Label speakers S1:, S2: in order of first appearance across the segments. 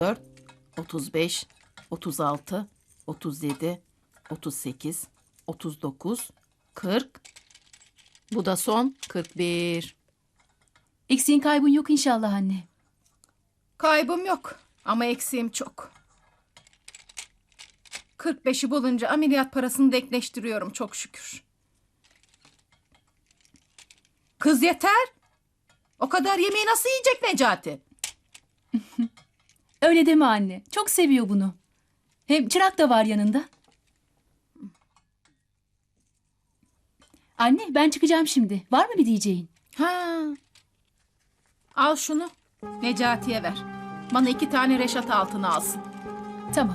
S1: 34, 35, 36, 37, 38, 39, 40. Bu da son 41.
S2: Eksiğin kaybın yok inşallah anne.
S1: Kaybım yok ama eksiğim çok. 45'i bulunca ameliyat parasını denkleştiriyorum çok şükür. Kız yeter. O kadar yemeği nasıl yiyecek Necati?
S2: Öyle deme anne. Çok seviyor bunu. Hem çırak da var yanında. Anne ben çıkacağım şimdi. Var mı bir diyeceğin?
S1: Ha. Al şunu. Necati'ye ver. Bana 2 tane reşat altını alsın.
S2: Tamam.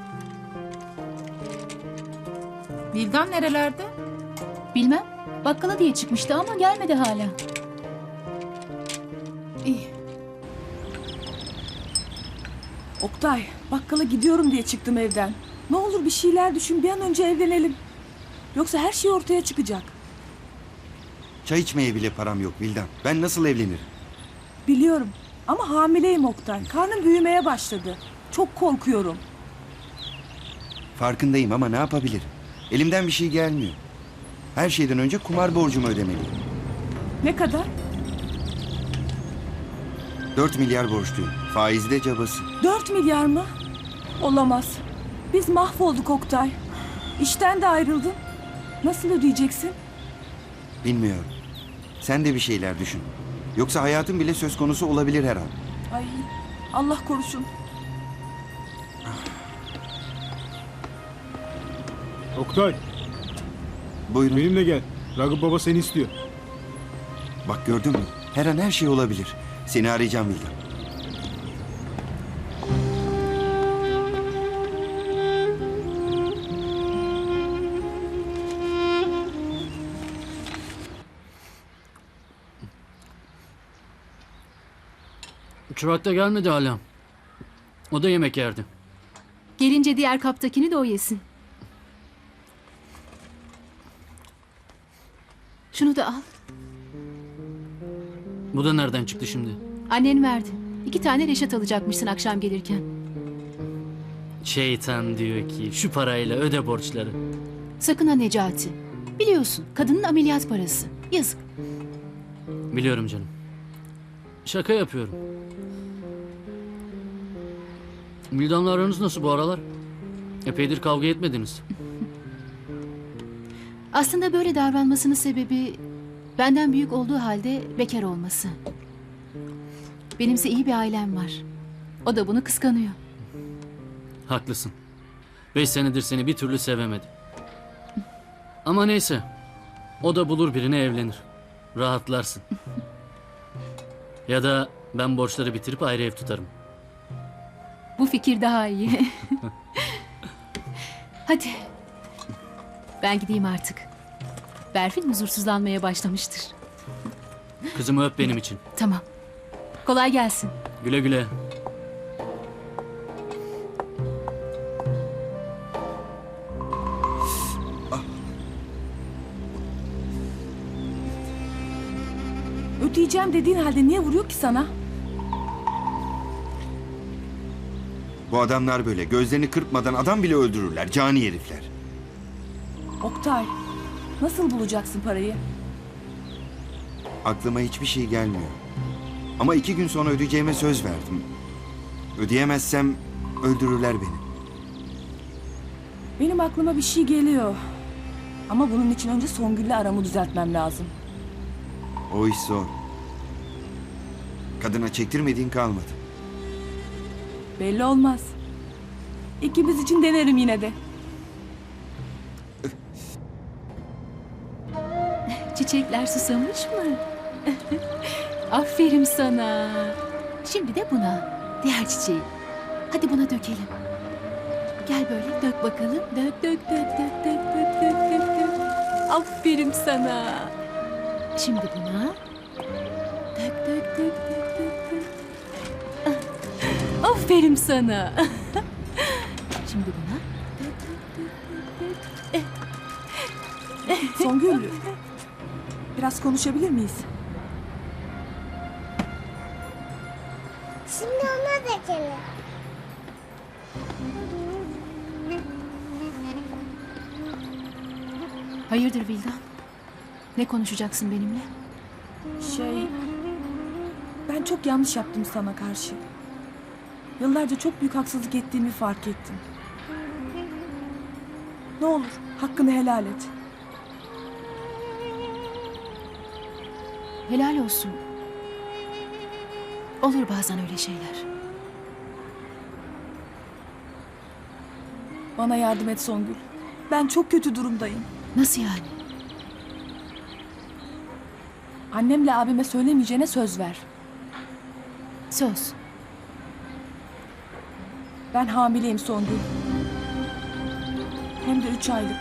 S1: Vildan nerelerde?
S2: Bilmem. Bakkala diye çıkmıştı ama gelmedi hala.
S1: İyi.
S3: Oktay, bakkala gidiyorum diye çıktım evden. Ne olur bir şeyler düşün, bir an önce evlenelim. Yoksa her şey ortaya çıkacak.
S4: Çay içmeye bile param yok Vildan. Ben nasıl evlenirim?
S3: Biliyorum ama hamileyim Oktay. Karnım büyümeye başladı. Çok korkuyorum.
S4: Farkındayım ama ne yapabilirim? Elimden bir şey gelmiyor. Her şeyden önce kumar borcumu ödemeliyim.
S3: Ne kadar?
S4: 4 milyar borçluyum. Faizi de cabası.
S3: 4 milyar mı? Olamaz. Biz mahvolduk Oktay. İşten de ayrıldın. Nasıl ödeyeceksin?
S4: Bilmiyorum. Sen de bir şeyler düşün. Yoksa hayatım bile söz konusu olabilir her an.
S3: Ay, Allah korusun.
S5: Oktay,
S4: Buyurun.
S5: benimle gel. Ragıp baba seni istiyor.
S4: Bak gördün mü? Her an her şey olabilir. Seni arayacağım Vildan.
S6: Çırak da gelmedi hala. O da yemek yerdi.
S2: Gelince diğer kaptakini de o yesin. Şunu da al.
S6: Bu da nereden çıktı şimdi?
S2: Annen verdi. 2 tane reşat alacakmışsın akşam gelirken.
S6: Şeytan diyor ki şu parayla öde borçları.
S2: Sakın ha Necati. Biliyorsun kadının ameliyat parası. Yazık.
S6: Biliyorum canım. Şaka yapıyorum. Vildan'la aranız nasıl bu aralar? Epeydir kavga etmediniz.
S2: Aslında böyle davranmasının sebebi benden büyük olduğu halde bekar olması. Benimse iyi bir ailem var. O da bunu kıskanıyor.
S6: Haklısın. 5 senedir seni bir türlü sevemedi. Ama neyse. O da bulur birine evlenir. Rahatlarsın. Ya da ben borçları bitirip ayrı ev tutarım.
S2: Bu fikir daha iyi. Hadi. Ben gideyim artık. Berfin huzursuzlanmaya başlamıştır.
S6: Kızımı öp benim için.
S2: Tamam. Kolay gelsin.
S6: Güle güle.
S3: Ödeyeceğim dediğin halde niye vuruyor ki sana?
S4: Bu adamlar böyle. Gözlerini kırpmadan adam bile öldürürler. Cani herifler.
S3: Oktay, nasıl bulacaksın parayı?
S4: Aklıma hiçbir şey gelmiyor. Ama 2 gün sonra ödeyeceğime söz verdim. Ödeyemezsem öldürürler beni.
S3: Benim aklıma bir şey geliyor. Ama bunun için önce Songül'le aramı düzeltmem lazım.
S4: O iş zor. Kadına çektirmediğin kalmadı.
S3: Belli olmaz. İkimiz için denerim yine de.
S2: Çiçekler susamış mı? Aferin sana. Şimdi de buna. Diğer çiçeği. Hadi buna dökelim. Gel böyle dök bakalım. Dök dök dök dök dök dök dök dök dök. Aferin sana. Şimdi buna. Dök dök dök dök dök dök. Ah, aferin sana. Şimdi buna. Dök dök dök dök dök.
S3: Songül, biraz konuşabilir miyiz?
S7: Şimdi ona dökelim.
S2: Hayırdır Vildan? Ne konuşacaksın benimle?
S3: Ben çok yanlış yaptım sana karşı. Yıllarca çok büyük haksızlık ettiğimi fark ettim. Ne olur hakkını helal et.
S2: Helal olsun. Olur bazen öyle şeyler.
S3: Bana yardım et Songül. Ben çok kötü durumdayım.
S2: Nasıl yani?
S3: Annemle abime söylemeyeceğine söz ver.
S2: Söz.
S3: Ben hamileyim Songül. Hem de 3 aylık.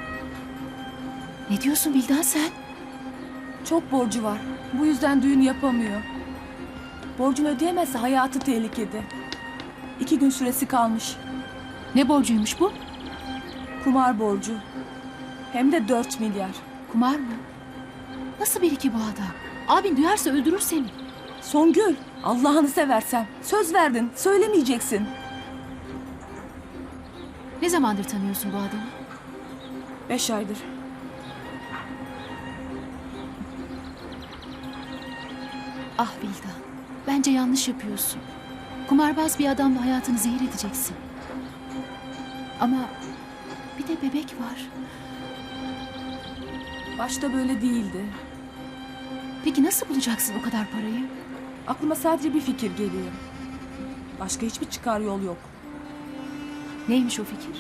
S2: Ne diyorsun Vildan sen?
S3: Çok borcu var. Bu yüzden düğün yapamıyor. Borcunu ödeyemezse hayatı tehlikede. 2 gün süresi kalmış.
S2: Ne borcuymuş bu?
S3: Kumar borcu. Hem de 4 milyar.
S2: Kumar mı? Nasıl biri ki bu adam? Abin duyarsa öldürür seni.
S3: Songül, Allah'ını seversen. Söz verdin, söylemeyeceksin.
S2: Ne zamandır tanıyorsun bu adamı?
S3: 5 aydır.
S2: Ah Vildan, bence yanlış yapıyorsun. Kumarbaz bir adamla hayatını zehir edeceksin. Ama bir de bebek var.
S3: Başta böyle değildi.
S2: Peki nasıl bulacaksın o kadar parayı?
S3: Aklıma sadece bir fikir geliyor. Başka hiçbir çıkar yol yok.
S2: Neymiş o fikir?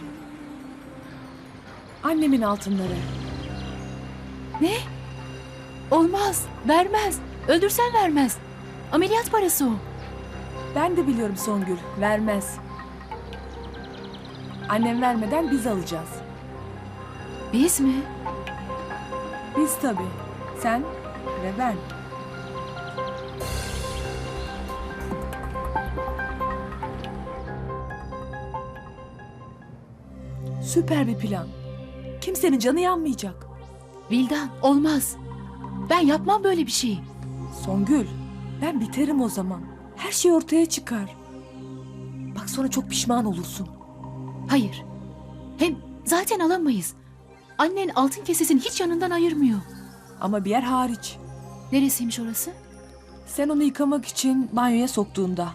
S3: Annemin altınları.
S2: Ne? Olmaz, vermez. Öldürsen vermez. Ameliyat parası o.
S3: Ben de biliyorum Songül, vermez. Annem vermeden biz alacağız.
S2: Biz mi?
S3: Biz tabii. Sen ve ben. Süper bir plan. Kimsenin canı yanmayacak.
S2: Vildan, olmaz. Ben yapmam böyle bir şeyi.
S3: Songül, ben biterim o zaman. Her şey ortaya çıkar. Bak sonra çok pişman olursun.
S2: Hayır. Hem zaten alamayız. Annen altın kesesini hiç yanından ayırmıyor.
S3: Ama bir yer hariç.
S2: Neresiymiş orası?
S3: Sen onu yıkamak için banyoya soktuğunda.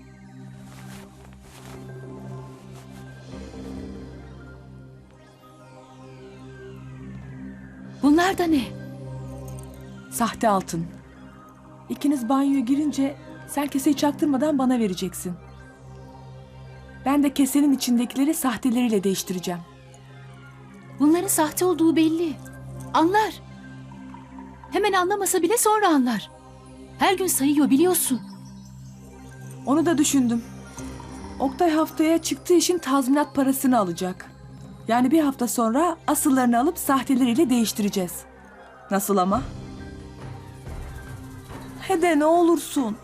S2: Bunlar da ne?
S3: Sahte altın. İkiniz banyoya girince sen keseyi çaktırmadan bana vereceksin. Ben de kesenin içindekileri sahteleriyle değiştireceğim.
S2: Bunların sahte olduğu belli. Anlar. Hemen anlamasa bile sonra anlar. Her gün sayıyor biliyorsun.
S3: Onu da düşündüm. Oktay haftaya çıktığı işin tazminat parasını alacak. Yani bir hafta sonra asıllarını alıp sahteleriyle değiştireceğiz. Nasıl ama? Hede ne olursun.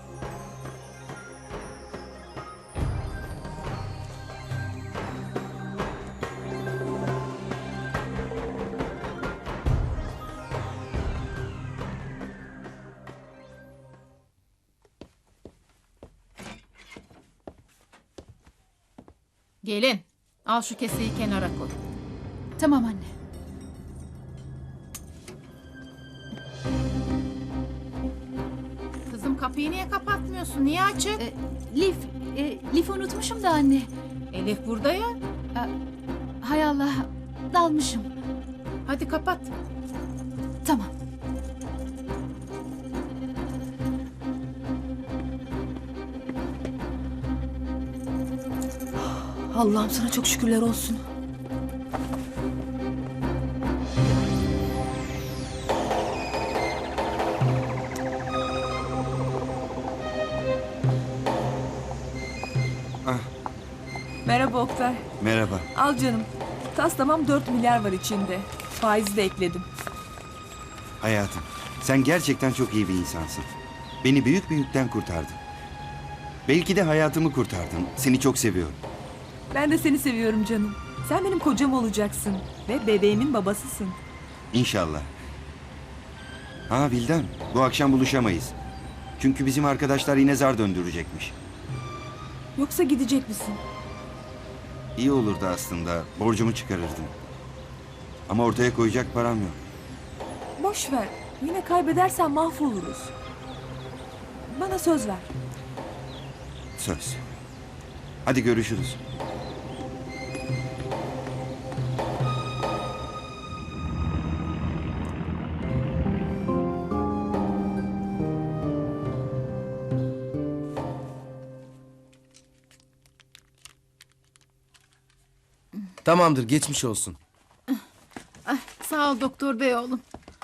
S1: Gelin, al şu keseyi kenara koy.
S2: Tamam anne.
S1: Kızım kapıyı niye kapatmıyorsun? Niye açık?
S2: Lif unutmuşum da anne.
S1: Elif burada ya.
S2: Hay Allah, dalmışım.
S1: Hadi kapat.
S2: Tamam.
S3: Allah'ım sana çok şükürler olsun.
S4: Ah,
S3: Merhaba Oktay.
S4: merhaba.
S3: Al canım. Taslamam 4 milyar var içinde. Faizi de ekledim.
S4: Hayatım, sen gerçekten çok iyi bir insansın. Beni büyük bir yükten kurtardın. Belki de hayatımı kurtardın. Seni çok seviyorum.
S3: Ben de seni seviyorum canım. Sen benim kocam olacaksın. Ve bebeğimin babasısın.
S4: İnşallah. Ha Vildan, bu akşam buluşamayız. Çünkü bizim arkadaşlar yine zar döndürecekmiş.
S3: Yoksa gidecek misin?
S4: İyi olurdu aslında. Borcumu çıkarırdım. Ama ortaya koyacak param yok.
S3: Boş ver. Yine kaybedersen mahvoluruz. Bana söz ver.
S4: Söz. Hadi görüşürüz.
S7: Tamamdır, geçmiş olsun.
S1: Sağ ol doktor bey oğlum.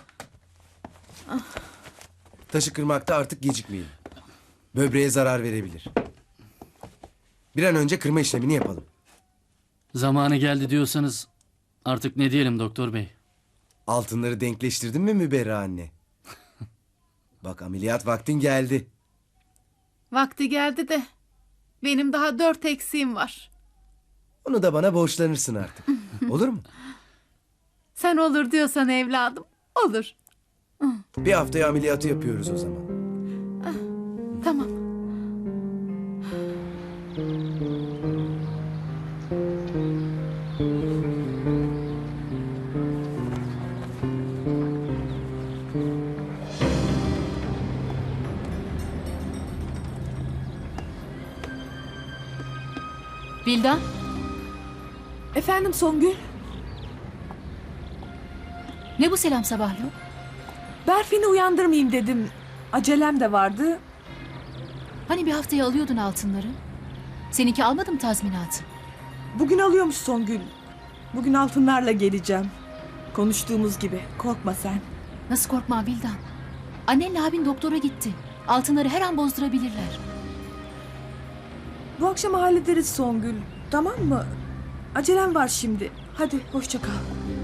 S7: Taşı kırmakta artık gecikmeyelim. Böbreğe zarar verebilir. Bir an önce kırma işlemini yapalım.
S6: Zamanı geldi diyorsanız artık ne diyelim doktor bey?
S7: Altınları denkleştirdin mi Müberra anne? Bak, ameliyat vaktin geldi.
S1: Vakti geldi de benim daha 4 eksiğim var.
S7: Onu da bana borçlanırsın artık. Olur mu?
S1: Sen olur diyorsan evladım, olur.
S7: Bir haftaya ameliyatı yapıyoruz o zaman.
S1: Tamam.
S2: Vildan,
S3: Efendim Songül?
S2: ne bu selam sabahlı?
S3: Berfin'i uyandırmayayım dedim. Acelem de vardı.
S2: Hani bir haftaya alıyordun altınları? Seninki almadı mı tazminatı?
S3: Bugün alıyormuş Songül. Bugün altınlarla geleceğim. Konuştuğumuz gibi. Korkma sen.
S2: Nasıl korkma Vildan? Annenle abin doktora gitti. Altınları her an bozdurabilirler.
S3: Bu akşam hallederiz Songül. Tamam mı? Acelem var şimdi. Hadi hoşça kal.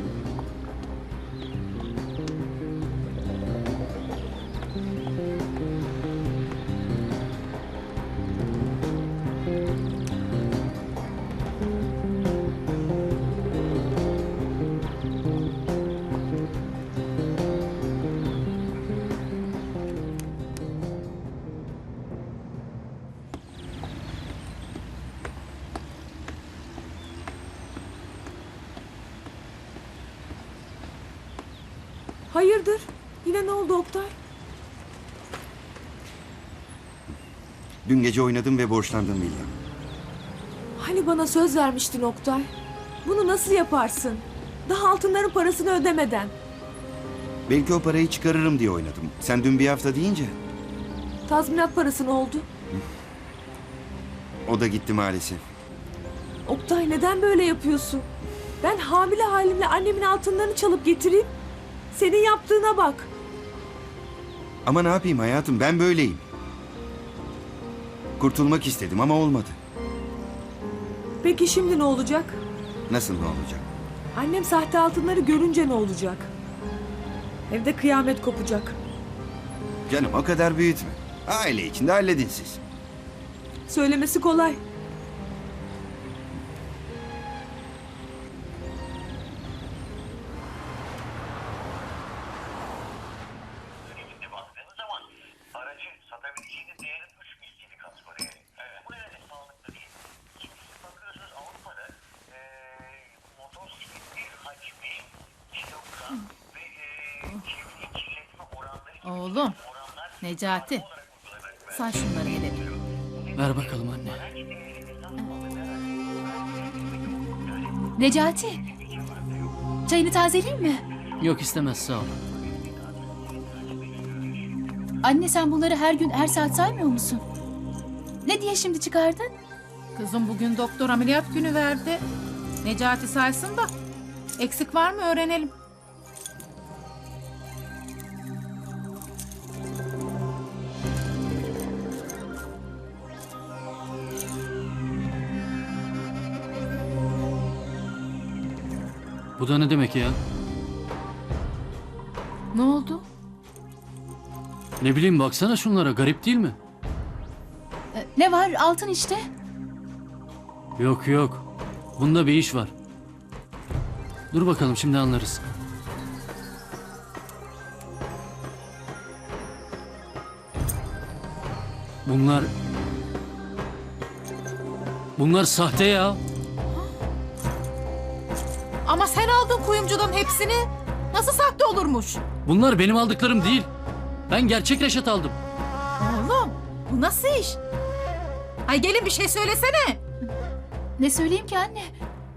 S3: Hayırdır? Yine ne oldu Oktay?
S4: Dün gece oynadım ve borçlandım Vildan.
S3: Hani bana söz vermiştin Oktay? Bunu nasıl yaparsın? Daha altınların parasını ödemeden.
S4: Belki o parayı çıkarırım diye oynadım. Sen dün bir hafta deyince
S3: Tazminat parası ne oldu?
S4: o da gitti maalesef.
S3: Oktay neden böyle yapıyorsun? Ben hamile halimle annemin altınlarını çalıp getireyim. Senin yaptığına bak.
S4: Ama ne yapayım hayatım, ben böyleyim. Kurtulmak istedim ama olmadı.
S3: Peki şimdi ne olacak?
S4: Nasıl ne olacak?
S3: Annem sahte altınları görünce ne olacak? Evde kıyamet kopacak.
S4: Canım o kadar büyütme. Aile içinde halledin siz.
S3: Söylemesi kolay.
S8: Şimdi baktığınız zaman aracı satabileceğiniz değerin 3 misliydi kategoriye. Evet. Bu nedenle sağlıklı değil. Şimdi siz bakıyorsunuz Avrupa'da motosikletli hacmi, kilogram ve çevre kirletme oranları gibi
S1: Oğlum,
S8: oranlar
S1: Necati. Say şunları hele.
S6: Ver bakalım anne.
S2: Necati, çayını tazeleyeyim mi?
S6: Yok istemez sağ ol.
S2: Anne sen bunları her gün her saat saymıyor musun? Ne diye şimdi çıkardın?
S1: Kızım bugün doktor ameliyat günü verdi. Necati saysın da eksik var mı öğrenelim.
S6: Bu da ne demek ya?
S1: Ne oldu?
S6: Ne bileyim baksana şunlara, garip değil mi?
S2: Ne var altın işte.
S6: Yok yok. Bunda bir iş var. Dur bakalım şimdi anlarız. Bunlar sahte ya.
S1: Ama sen aldın kuyumcudan hepsini. Nasıl sahte olurmuş?
S6: Bunlar benim aldıklarım değil. Ben gerçek Reşat aldım.
S1: Oğlum bu nasıl iş? Ay gelin bir şey söylesene.
S2: Ne söyleyeyim ki anne?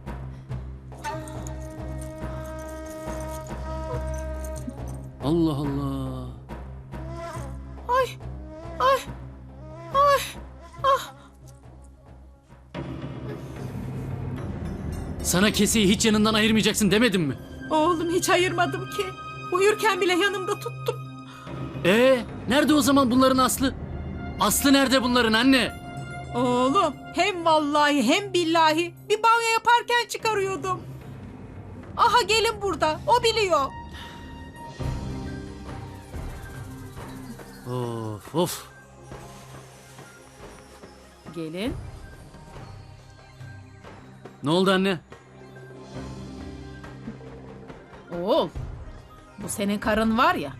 S6: Allah Allah.
S1: Ay, ay, ay, ah.
S6: Sana keseyi hiç yanından ayırmayacaksın demedim mi?
S1: Oğlum hiç ayırmadım ki. Uyurken bile yanımda tuttum.
S6: Nerede o zaman bunların aslı? Aslı nerede bunların anne?
S1: Oğlum hem vallahi hem billahi bir banyo yaparken çıkarıyordum. Aha gelin burada, o biliyor.
S6: Of of.
S1: Gelin.
S6: Ne oldu anne?
S1: Oğul, bu senin karın var ya.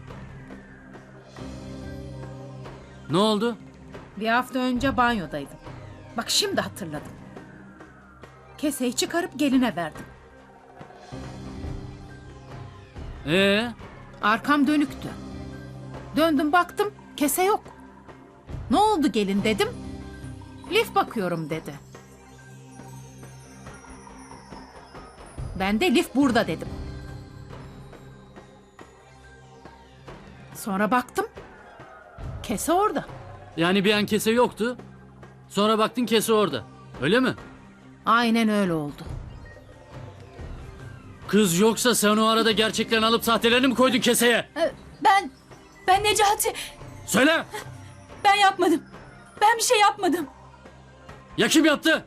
S6: Ne oldu?
S1: Bir hafta önce banyodaydım. Bak şimdi hatırladım. Keseyi çıkarıp geline verdim. Arkam dönüktü. Döndüm baktım kese yok. Ne oldu gelin dedim. Lif bakıyorum dedi. Ben de lif burada dedim. Sonra baktım. Kese orada.
S6: Yani bir an kese yoktu. Sonra baktın kese orada. Öyle mi?
S1: Aynen öyle oldu.
S6: Kız yoksa sen o arada gerçeklerini alıp sahtelerini mi koydun keseye?
S2: Ben Necati.
S6: Söyle!
S2: Ben yapmadım. Ben bir şey yapmadım.
S6: Ya kim yaptı?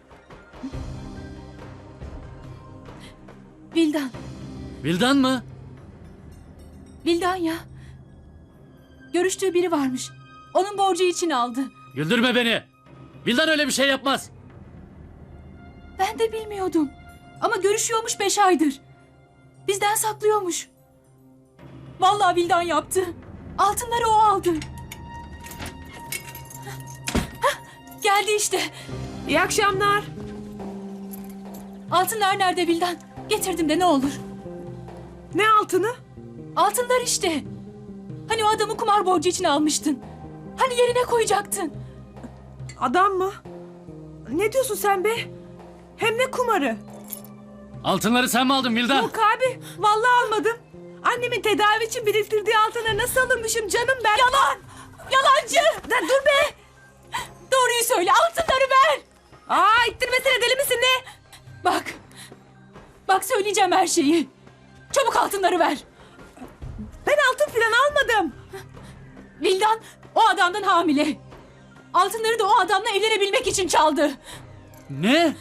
S2: Vildan.
S6: Vildan mı?
S2: Vildan ya. Görüştüğü biri varmış. Onun borcu için aldı.
S6: Güldürme beni. Vildan öyle bir şey yapmaz.
S2: Ben de bilmiyordum. Ama görüşüyormuş 5 aydır. Bizden saklıyormuş. Vallahi Vildan yaptı. Altınları o aldı. Hah, geldi işte.
S3: İyi akşamlar.
S2: Altınlar nerede Vildan? Getirdim de ne olur.
S3: Ne altını?
S2: Altınlar işte. Hani o adamı kumar borcu için almıştın. Hani yerine koyacaktın.
S3: Adam mı? Ne diyorsun sen be? Hem ne kumarı?
S6: Altınları sen mi aldın Vildan?
S3: Yok abi, vallahi almadım. Annemin tedavi için biriktirdiği altınları nasıl alırmışım canım ben?
S2: Yalan! Yalancı!
S3: Dur be!
S2: Doğruyu söyle, altınları ver!
S3: Aa, ittirmesene, deli misin ne?
S2: Bak! Bak söyleyeceğim her şeyi. Çabuk altınları ver.
S3: Ben altın falan almadım.
S2: Vildan o adamdan hamile. Altınları da o adamla evlenebilmek için çaldı.
S6: Ne?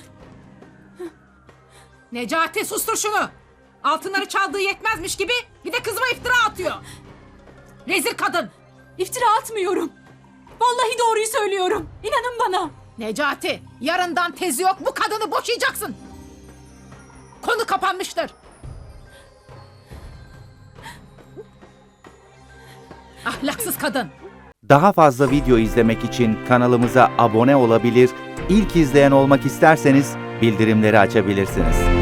S1: Necati sustur şunu. Altınları çaldığı yetmezmiş gibi bir de kızıma iftira atıyor. Rezil kadın.
S2: İftira atmıyorum. Vallahi doğruyu söylüyorum. İnanın bana.
S1: Necati yarından tezi yok, bu kadını boşayacaksın. Konu kapanmıştır. Ahlaksız kadın.
S9: Daha fazla video izlemek için kanalımıza abone olabilir, ilk izleyen olmak isterseniz bildirimleri açabilirsiniz.